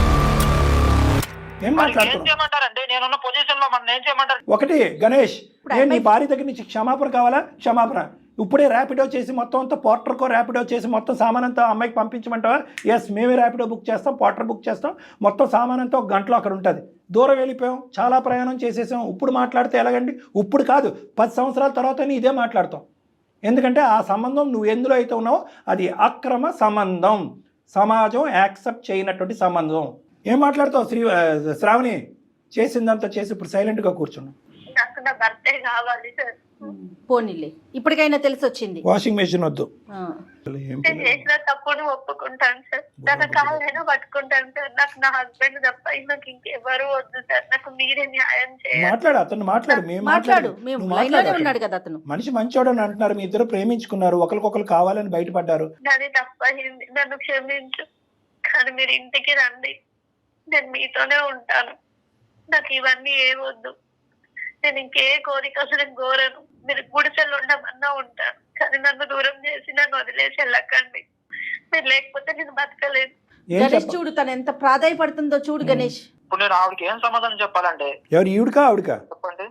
Speaker 2: ఏం
Speaker 5: మరి ఏం
Speaker 2: మాట్లాడుతున్నావు?
Speaker 5: చేయమంటారండి? నేనున్న పొజిషన్ లో మనం ఏం చేయమంటారు?
Speaker 2: ఒకటి గణేష్,
Speaker 1: ఇప్పుడు
Speaker 2: నేను నీ
Speaker 1: అమ్మాయి-
Speaker 2: భార్య దగ్గర నుంచి క్షమాపణ కావాలా? క్షమాపణ. ఇప్పుడే ర్యాపిడో చేసి మొత్తం అంతా పోర్టర్కో ర్యాపిడో చేసి మొత్తం సామాన్ అంతా అమ్మాయికి పంపించమంటావా? ఎస్, మేమే ర్యాపిడో బుక్ చేస్తాం, పోర్టర్ బుక్ చేస్తాం, మొత్తం సామాన్ అంతా ఒక గంటలో అక్కడ ఉంటుంది. దూరం వెళ్ళిపోయాం, చాలా ప్రయాణం చేసేసాం. ఇప్పుడు మాట్లాడితే ఎలాగండి? ఇప్పుడు కాదు, పది సంవత్సరాల తర్వాత నీ ఇదే మాట్లాడతాం. ఎందుకంటే ఆ సంబంధం నువ్వు ఎందులో అయితే ఉన్నావో అది అక్రమ సంబంధం, సమాజం యాక్సెప్ట్ చేయనటువంటి సంబంధం. ఏం మాట్లాడతావు శ్రీ శ్రావణి? చేసిందంతా చేసి ఇప్పుడు సైలెంట్గా కూర్చున్నావు.
Speaker 3: నాకు నా భర్తే కావాలి సార్.
Speaker 1: పోనీలే, ఇప్పటికైనా తెలిసి వచ్చింది.
Speaker 2: వాషింగ్ మెషిన్ వద్దు.
Speaker 1: ఆ.
Speaker 2: ఏం
Speaker 3: నేను చేసిన తప్పును ఒప్పుకుంటాను సార్. తన కాళ్ళైనా పట్టుకుంటాను సార్. నాకు నా హస్బెండ్ తప్ప నాకు ఇంకెవరు వద్దు సార్. నాకు మీరే న్యాయం చేయాలి.
Speaker 2: మాట్లాడు, అతను మాట్లాడు. మేము
Speaker 1: మాట్లాడు,
Speaker 2: మాట్లాడు.
Speaker 1: మేము
Speaker 2: నువ్వు
Speaker 1: లైన్ లోనే
Speaker 2: మాట్లాడు.
Speaker 1: ఉన్నాడు కదా అతను.
Speaker 2: మనిషి మంచోడు అని అంటున్నారు, మీ ఇద్దరు ప్రేమించుకున్నారు, ఒకరికొకరు కావాలని బయటపడ్డారు.
Speaker 3: నాది తప్పయింది, నన్ను క్షమించు. కానీ మీరు ఇంటికి రండి, నేను మీతోనే ఉంటాను. నాకు ఇవన్నీ ఏ వద్దు. నేను ఇంకే కోరిక అసలు కోరను. మీరు గుడిసెలు ఉండమన్నా ఉంటాను, కానీ నన్ను దూరం చేసి నన్ను వదిలేసి వెళ్ళకండి. మీరు లేకపోతే నేను బతకలేదు.
Speaker 2: ఏం
Speaker 1: గణేష్
Speaker 2: చెప్ప
Speaker 1: చూడు తను ఎంత ప్రాధాయపడుతుందో చూడు గణేష్.
Speaker 5: ఇప్పుడు నేను ఆవిడకి ఏం సమాధానం చెప్పాలంటే
Speaker 2: ఎవరు, ఈవిడకా ఆవిడకా?
Speaker 5: చెప్పండి.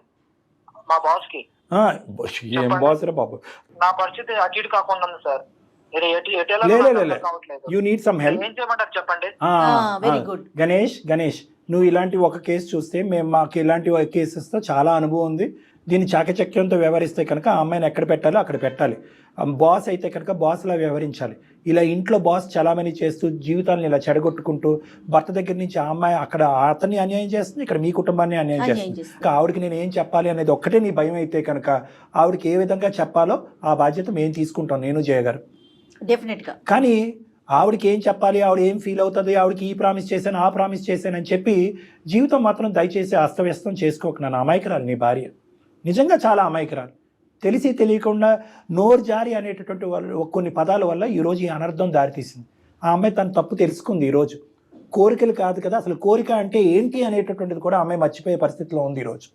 Speaker 5: మా బాస్ కి
Speaker 2: ఆ, ఏం బాస్ రా బాబు.
Speaker 5: నా పరిస్థితి అటు ఇటు కాకుండా ఉంది సార్. మీరు ఎటు ఎటు ఎలా
Speaker 2: లే, లే,
Speaker 5: నాకు
Speaker 2: లే, లే.
Speaker 5: అర్థం కావట్లేదు.
Speaker 2: You need some help.
Speaker 5: ఏం చేయమంటారు చెప్పండి.
Speaker 1: Very good.
Speaker 2: గణేష్ గణేష్ నువ్వు ఇలాంటి ఒక కేసు చూస్తే మేము మాకు ఇలాంటి కేసెస్తో చాలా అనుభవం ఉంది. దీన్ని చాకచక్యంతో వ్యవహరిస్తే కనుక ఆ అమ్మాయిని ఎక్కడ పెట్టాలో అక్కడ పెట్టాలి. బాస్ అయితే కనుక బాస్లా వ్యవహరించాలి. ఇలా ఇంట్లో బాస్ చలామణి చేస్తూ జీవితాలను ఇలా చెడగొట్టుకుంటూ భర్త దగ్గర నుంచి ఆ అమ్మాయి అక్కడ అతన్ని అన్యాయం చేస్తుంది, ఇక్కడ మీ కుటుంబాన్ని అన్యాయం
Speaker 1: అన్యాయం
Speaker 2: చేస్తుంది.
Speaker 1: చేస్తుంది.
Speaker 2: ఇంకా ఆవిడకి నేను ఏం చెప్పాలి అనేది ఒక్కటే నీ భయం అయితే కనుక ఆవిడకి ఏ విధంగా చెప్పాలో ఆ బాధ్యత మేము తీసుకుంటాం, నేను చేయగారు.
Speaker 1: డెఫినెట్ గా.
Speaker 2: కానీ ఆవిడకి ఏం చెప్పాలి, ఆవిడ ఏం ఫీల్ అవుతుంది, ఆవిడకి ఈ ప్రామిస్ చేశాను ఆ ప్రామిస్ చేశానని చెప్పి జీవితం మాత్రం దయచేసి అస్తవ్యస్తం చేసుకోక. నన్ను అమాయకురాలు నీ భార్య, నిజంగా చాలా అమాయకురాలు. తెలిసి తెలియకుండా నోరు జారి అనేటటువంటి వాళ్ళు కొన్ని పదాల వల్ల ఈరోజు ఈ అనర్థం దారితీసింది. ఆ అమ్మాయి తన తప్పు తెలుసుకుంది ఈరోజు. కోరికలు కాదు కదా, అసలు కోరిక అంటే ఏంటి అనేటటువంటిది కూడా ఆ అమ్మాయి మర్చిపోయే పరిస్థితిలో ఉంది ఈరోజు.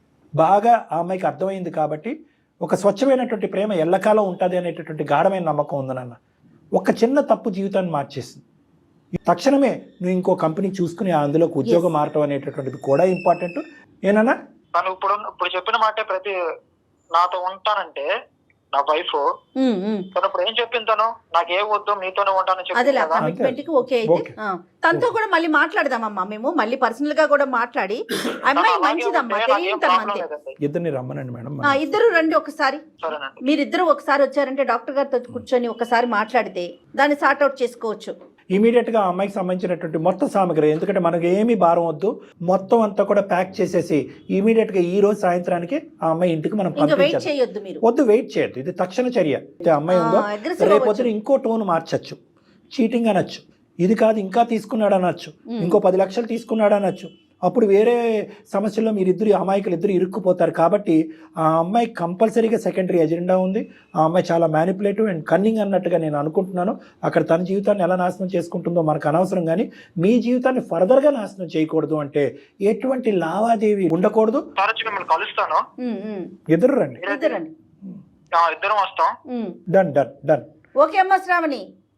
Speaker 2: బాగా ఆ అమ్మాయికి అర్థమైంది కాబట్టి ఒక స్వచ్ఛమైనటువంటి ప్రేమ ఎల్లకాలం ఉంటుంది అనేటటువంటి గాఢమైన నమ్మకం ఉంది నాన్న. ఒక చిన్న తప్పు జీవితాన్ని మార్చేసింది. తక్షణమే నువ్వు ఇంకో కంపెనీ చూసుకుని అందులోకి ఉద్యోగం మారటం అనేటటువంటిది కూడా ఇంపార్టెంట్. ఏనన్నా
Speaker 5: తను ఇప్పుడు ఇప్పుడు చెప్పిన మాటే ప్రతి నాతో ఉంటానంటే నా వైఫ్
Speaker 1: ఉమ్, ఉమ్.
Speaker 5: తను ఇప్పుడు ఏం చెప్పింది, తను నాకే వద్దు మీతోనే ఉంటానని చెప్పింది
Speaker 1: అదేలే
Speaker 5: కదా.
Speaker 1: కమిట్మెంట్ కి ఓకే అయితే
Speaker 2: ఓకే.
Speaker 1: ఆ. తనతో కూడా మళ్ళీ మాట్లాడదామమ్మా, మేము మళ్ళీ పర్సనల్ గా కూడా మాట్లాడి అమ్మాయి
Speaker 5: అలాగే
Speaker 1: మంచిదమ్మా,
Speaker 5: ఉంటే నాకేం
Speaker 1: తెలియదు తను
Speaker 5: ప్రాబ్లం
Speaker 1: అంతే.
Speaker 5: లేదండి.
Speaker 2: ఇద్దరిని రమ్మనండి మేడం.
Speaker 1: ఆ, ఇద్దరు రండి ఒకసారి.
Speaker 5: సరేనండి.
Speaker 1: మీరిద్దరు ఒకసారి వచ్చారంటే డాక్టర్ గారితో కూర్చొని ఒకసారి మాట్లాడితే దాన్ని సార్ట్అవుట్ చేసుకోవచ్చు.
Speaker 2: ఇమీడియట్గా ఆ అమ్మాయికి సంబంధించినటువంటి మొత్తం సామగ్రి, ఎందుకంటే మనకు ఏమీ భారం వద్దు, మొత్తం అంతా కూడా ప్యాక్ చేసేసి ఇమీడియట్గా ఈ రోజు సాయంత్రానికి ఆ అమ్మాయి ఇంటికి మనం
Speaker 1: ఇంకా వెయిట్
Speaker 2: పంపించాలి.
Speaker 1: చేయొద్దు మీరు.
Speaker 2: వద్దు, వెయిట్ చేయొద్దు. ఇది తక్షణ చర్య. అయితే అమ్మాయి ఉందో
Speaker 1: ఆ, aggressive
Speaker 2: రేపొద్దున
Speaker 1: అవ్వచ్చు.
Speaker 2: ఇంకో టోన్ మార్చచ్చు, చీటింగ్ అనొచ్చు, ఇది కాదు ఇంకా తీసుకున్నాడు అనొచ్చు, ఇంకో పది లక్షలు తీసుకున్నాడు అనొచ్చు. అప్పుడు వేరే సమస్యల్లో మీరిద్దరు అమాయకులు ఇద్దరు ఇరుక్కుపోతారు. కాబట్టి ఆ అమ్మాయి కంపల్సరీగా సెకండరీ ఎజెండా ఉంది. ఆ అమ్మాయి చాలా మ్యానిపులేటివ్ అండ్ కన్నింగ్ అన్నట్టుగా నేను అనుకుంటున్నాను. అక్కడ తన జీవితాన్ని ఎలా నాశనం చేసుకుంటుందో మనకు అనవసరం, కానీ మీ జీవితాన్ని ఫర్దర్గా నాశనం చేయకూడదు అంటే ఎటువంటి లావాదేవీ ఉండకూడదు.
Speaker 5: సార్ వచ్చి మిమ్మల్ని కలుస్తాను.
Speaker 1: ఉమ్, ఉమ్.
Speaker 2: ఇద్దరు రండి.
Speaker 1: ఇద్దరు రండి.
Speaker 5: ఆ, ఇద్దరం వస్తాం.
Speaker 1: Um.
Speaker 2: Done done done.
Speaker 1: Okay అమ్మా శ్రావణి,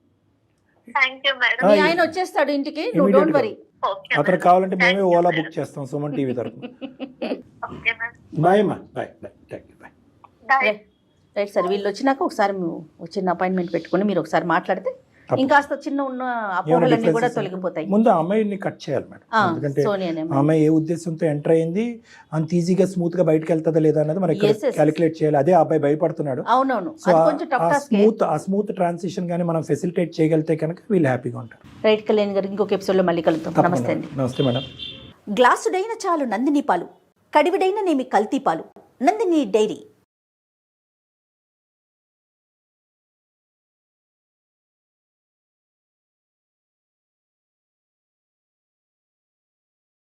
Speaker 3: థ్యాంక్ యూ మేడం.
Speaker 1: మీ ఆయన వచ్చేస్తాడు ఇంటికి, నువ్వు
Speaker 2: Immediate
Speaker 1: డోంట్
Speaker 2: గా.
Speaker 1: వరీ.
Speaker 3: ఓకే
Speaker 2: అతను
Speaker 3: మేడం.
Speaker 2: కావాలంటే మేమే
Speaker 3: Thank you,
Speaker 2: Ola
Speaker 3: madam.
Speaker 2: Book చేస్తాం సుమన్ టీవీ తరఫున.
Speaker 3: Okay madam.
Speaker 2: బాయ్ అమ్మా, bye bye, thank you, bye.
Speaker 3: Bye.
Speaker 1: Right sir, వీళ్ళు వచ్చినాక ఒకసారి మేము చిన్న అపాయింట్మెంట్ పెట్టుకుని మీరు ఒకసారి మాట్లాడితే
Speaker 2: తప్పకుండా.
Speaker 1: ఇంకాస్త చిన్న ఉన్న
Speaker 2: ఏమైనా
Speaker 1: అపోహలన్నీ కూడా
Speaker 2: differences
Speaker 1: తొలగిపోతాయి.
Speaker 2: ముందు ఆ అమ్మాయిని కట్ చేయాలి మేడం.
Speaker 1: ఆ,
Speaker 2: ఎందుకంటే
Speaker 1: సోనియా అనే
Speaker 2: ఆ
Speaker 1: అమ్మాయి.
Speaker 2: అమ్మాయి ఏ ఉద్దేశంతో ఎంటర్ అయింది, అంత ఈజీగా స్మూత్ గా బయటకు వెళ్తుందా లేదా అన్నది మనం
Speaker 1: Yes, yes.
Speaker 2: క్యాలిక్యులేట్ చేయాలి. అదే ఆ అబ్బాయి భయపడుతున్నాడు.
Speaker 1: అవునవును,
Speaker 2: సో
Speaker 1: అది కొంచెం tough
Speaker 2: uh
Speaker 1: task.
Speaker 2: Smooth uh smooth transition కానీ మనం ఫెసిలిటేట్ చేయగలిగితే కనుక వీళ్ళు హ్యాపీగా ఉంటారు.
Speaker 1: రైట్ కళ్యాణ్ గారు, ఇంకొక ఎపిసోడ్ లో మళ్ళీ కలుద్దాం. నమస్తే అండి.
Speaker 2: నమస్తే మేడం.
Speaker 6: గ్లాసుడైన చాలు నందిని పాలు, కడివిడైన నేమి కల్తీ పాలు. నందిని డైరీ.